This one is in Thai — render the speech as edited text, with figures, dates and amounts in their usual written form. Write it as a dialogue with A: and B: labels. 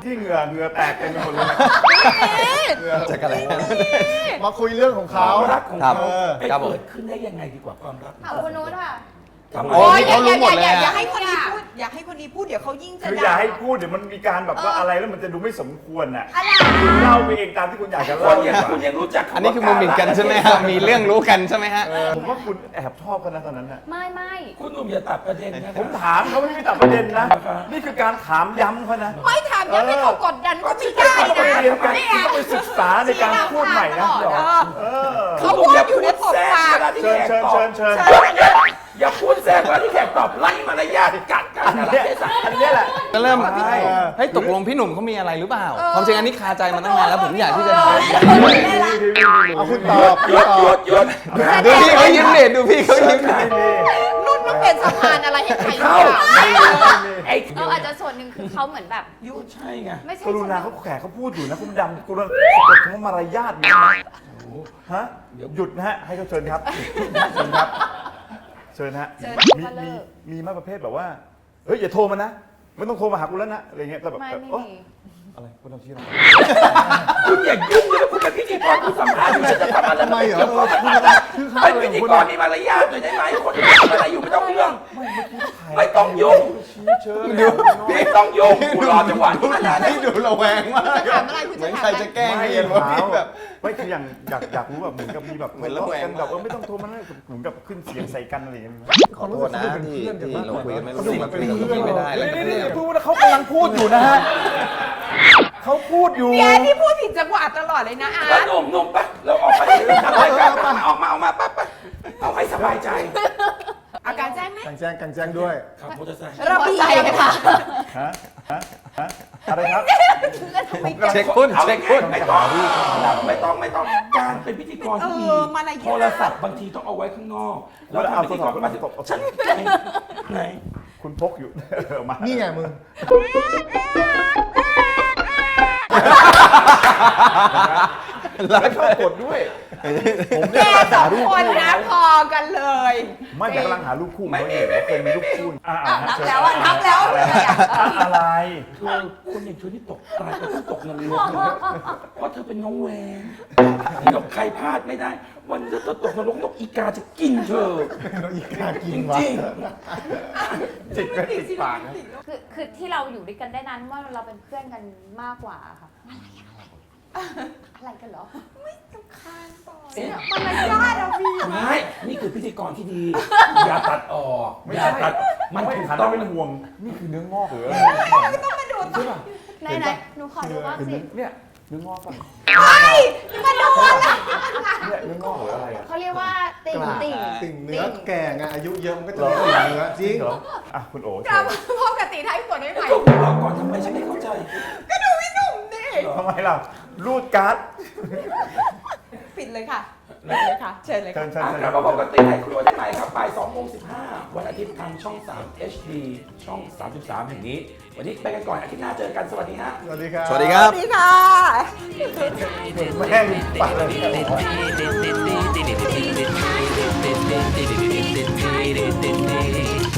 A: ที่เหงื่อแตกเต็มไปหมดเลยจะกันอะไร
B: มาคุยเรื่องของเขา
C: รักของเขาไปเกิดขึ้นได้ยังไงดีกว่าความรัก
D: ถามคนโน้นค่ะ
B: โอ้ยเขารู้หมดเลย
E: อย่าให้คนนี้พูดอย่าให้คนนี้พูดเดี๋ยวเขายิ่งจะ
A: คืออย่าให้พูดเดี๋ยวมันมีการแบบว่าอะไรแล้วมันจะดูไม่สมควรอ่ะคุณเล่าไปเองตามที่คุณอยากจะ
C: ค
A: เล่าน
C: อย่างคุณยังรู้จัก
B: อันนี้คือมุมหมิ่นกันใช่ไหมฮะมีเรื่องรู้กันใช่ไหมฮะ
A: ผมว่าคุณแอบชอบกันนะตอนนั้นน่ะ
D: ไม่
C: คุณหนุ่มอย่าตัดประเด็นนะ
A: ผมถามเขาไม่ได้ตัดประเด็นนะนี่คือการถามย้ำเขานะ
E: ไม่ถามยังให้เขากดดันก็ไม่ได้
A: ต้องไป
E: นะ
A: เรียนกันต้องไปศึกษาในการพูดใหม่นะเ
E: เขาพูดอยู่ในผมปาก
A: เชิญเชิญเชิญเชิญ
C: อย่าพูดแทรกเวลาที่แขกตอบไล่มารยาทกัดกัน
A: อัน
C: อะไร
A: เนี้ย
C: เทศะ
A: อันเนี้ยแหละ
B: ก็เริ่ม
A: ใช่
B: ให้ยตกลงพี่หนุ่มเขามีอะไรหรือเปล่าความจริงอันนี้คาใจมาตั้งนานแล้วผมอยากที่จะถาม
A: เอาคุณตอบ
C: หยุดหยุดหยุด
B: ดูพี่เขายิ้มเด็ดดูพี่เขายิ้ม
E: นุ่นต้องเป็นสะพานอะไรให้ใคร
C: เข้า ไอ้
D: เราอาจจะส่วนหนึ่งคือเขาเหมือนแบบ
C: ยุใช่ไง
D: ไม่ใช่
A: กรุณาเขาแขกเขาพูดอยู่นะคุณดำกรุณาสะกดคำว่ามารยาทอยู่นะฮะหยุดนะฮะให้เขาเชิญครับเชิญครับเชิญฮะมีมาประเภทแบบว่าเฮ้ยอย่าโทรมานะไม่ต้องโทรมาหากูแล้วนะอะไรเงี้ยแต่แบบ
D: ไม่
A: โอ๊ย
D: มี
A: อะไรคุณทำชี้อะไร
C: คุณอย่ายุ่งเลยคุณเป็นพิธีกรคุณสัมภาษณ์อยู่ฉันจะทำอะไร
B: ทำไมเหรอ
C: เป็นพิธีกรมีมารยาทหน่อยได้ไหมคนที่ทำอะไรอยู่ไม่ต้องเรื่องไม่ต้องยุ่ง
A: ชี้เชิญ
C: ไม่ต้องยุ่งคุณรอจังหวะที่ขนาดนั้น
B: นี่ดูระแวงมาก
E: ถามอะไรคุณ
B: เหมื
E: จะ
B: อน
E: ถาม
B: ใครจะแกล้ง
A: ไม่
B: เองว่าพี่แบบ
A: ไม่คืออย่างอยากรู้แบบเหมือนกับมีแบบ
B: เหมือนระแวง
A: กันแบบไม่ต้องโทรมานะเหมือนกับขึ้นเสียงใส่กันอะไรอย่างเงี้ย
B: ขอโทษนะที่เราคุยกันไม่รู้
A: เขาดู
B: เรื่อง
A: เหมือนเป็นเพื่อน
B: ไม่ได้แล้ว
A: นี่พูดว่าเขากำลังพูดอยู่นะฮะเขาพูดอยู่
E: แกที่พูดผิดจังหวะตลอดเลยนะอา
C: แล้ว
E: ร์ต
C: หนุ่มไปเราออกไปทำรายการออกมาไปเอาให้สบายใจ
E: อาการแจ้งไหม
B: กางแจ้งด้วย
C: ขับมอเตอร์ไซค์
E: ระเบียบค่ะ
A: ฮะอะไรครับ
B: เช็คหุ้นเช็คหุ้น
C: ไม่ต้องการเป็นพิธีกรที่ดีโทรศัพท์บางทีต้องเอาไว้ข้างนอกแล้วทำพิธีกรมาฉันไหน
A: คุณพกอยู่มา
B: นี่ไงมึง
A: แล้วชอบกดด้วยผม
E: แกสองคนนะพอกันเลย
A: ไม่ผมกำลังหารูปคู่เขาอยู่เคยมีรูปคู่
E: นับแล้วนับแล้ว
A: อะไร
C: เธอคนอย่างเธอที่ตกตายก็ต้องตกนรกเพราะเธอเป็นน้องแหวนกับใครพลาดไม่ได้ วันนี้เธอตกนรกนกอีกาจะกินเธอ
B: อีกากิ
C: จ
B: นวะ
C: ริง
A: จิกไปติดปากนะ
D: คือที่เราอยู่ด้วยกันได้นั้นว่าเราเป็นเพื่อนกันมากกว่าค่ะอะไรกันเหรอ
E: ไม่สำคัญต่อ
C: เอ๊ะ
E: มารยาทอะพี่
C: ไม่นี่คือพิธีกรที่ดี อย่าตัดออก
A: ไม่
C: อย่า
A: ใช่
C: ตัดมัน
A: ไม่
C: ถูก
A: หัน
C: ต้อ
A: มาง เป็นห่วงนี่คือเนื้องอกหรืออะไร
E: ต้องมาดูต่อ
D: ไหนหนูขอดูบ้างสิ
A: เนี่ยเนื้องอกป่ะ
E: มาดูอะไร
A: เนี่ยเนื้องอกหรืออะไรอ่ะ
D: เขาเรียกว่าติ่ง
B: ติ่งเนื้อแก่ไงอายุเยอะมันก็จะติ่งเนื้อจริง
A: เหรออ่ะคุณโอ๋
E: กลับมาพบกับตีไทยสดได้ไหม
C: ก็คุณรอก่อนทำไมฉันไม่เข้าใจ
E: ก็ดูพี่หนุ่มดิ
A: ทำไมล่ะรูดการ์ด
E: ปิดเลยค่ะปิดเลยค่ะ เชิญเลย
A: เชิ
E: ค่ะ
A: ญเชิญ
C: อ่ะ
A: เชิญ
C: กลับมาพบกับตีไทยครัวได้ใหม่ครับบ่าย2:15วันอาทิตย์ทางช่อง 3 HD ช่อง 33 แห่งนี้ วันนี้ไปกันก่อนอาทิตย์หน้าเจอกันสวัสดีฮะ
B: สวัสดีครับ
E: สวัสดีค่ะ
A: แม่งปากเลย
F: Did